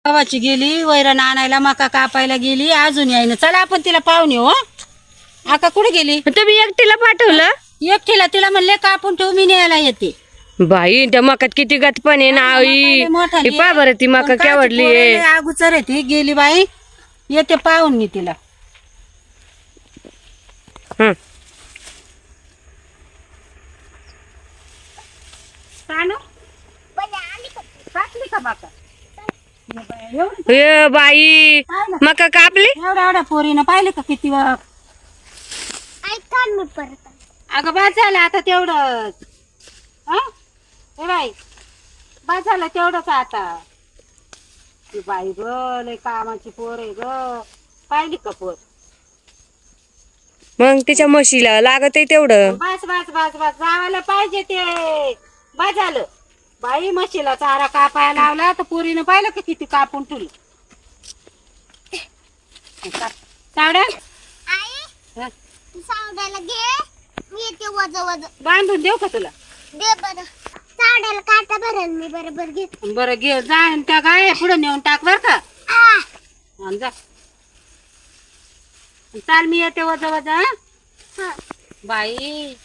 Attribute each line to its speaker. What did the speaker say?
Speaker 1: गावाची गेली वैरण आणायला मका कापायला गेली अजून यायनं. चला आपण तिला पाहून येऊ. आका कुठे गेली?
Speaker 2: तुम्ही एकटीला पाठवलं?
Speaker 1: एकटीला तिला म्हणले कापून ठेव मी न्यायला येते.
Speaker 2: बाई त्या मकात किती गतपण आहे ना आई. पा बरं ती मका केवढली आहे.
Speaker 1: अगोचर आहे ती गेली बाई. येते पाहून मी तिला. टाकली का मका?
Speaker 2: ए बाई मका कापली.
Speaker 1: एवढ्या एवढ्या पोरीनं पाहिले का किती वेळा? अगं बाद झालं आता तेवढंच. बाई बाद झालं तेवढंच आता. ती बाई ग लय कामाची पोर आहे ग. पाहिली का पोर?
Speaker 2: मग तिच्या म्हशीला लागत आहे तेवढं.
Speaker 1: बस बस बस बस जावायला पाहिजे ते. बाद झालं बाई म्हशीला चारा कापायला लावला तर पोरीनं पाहिलं का किती कापून ठेवली. सावड्या
Speaker 3: सावड्याला घे मी येते वज वज
Speaker 1: बांधून देऊ का तुला?
Speaker 3: दे बरं सावड्याला काटा भरेल मी बरोबर घे.
Speaker 1: बरं घे जा आणि त्या गाय पुढे नेऊन टाक बर का. आणि जा चाल मी येते वजा वजा. बाई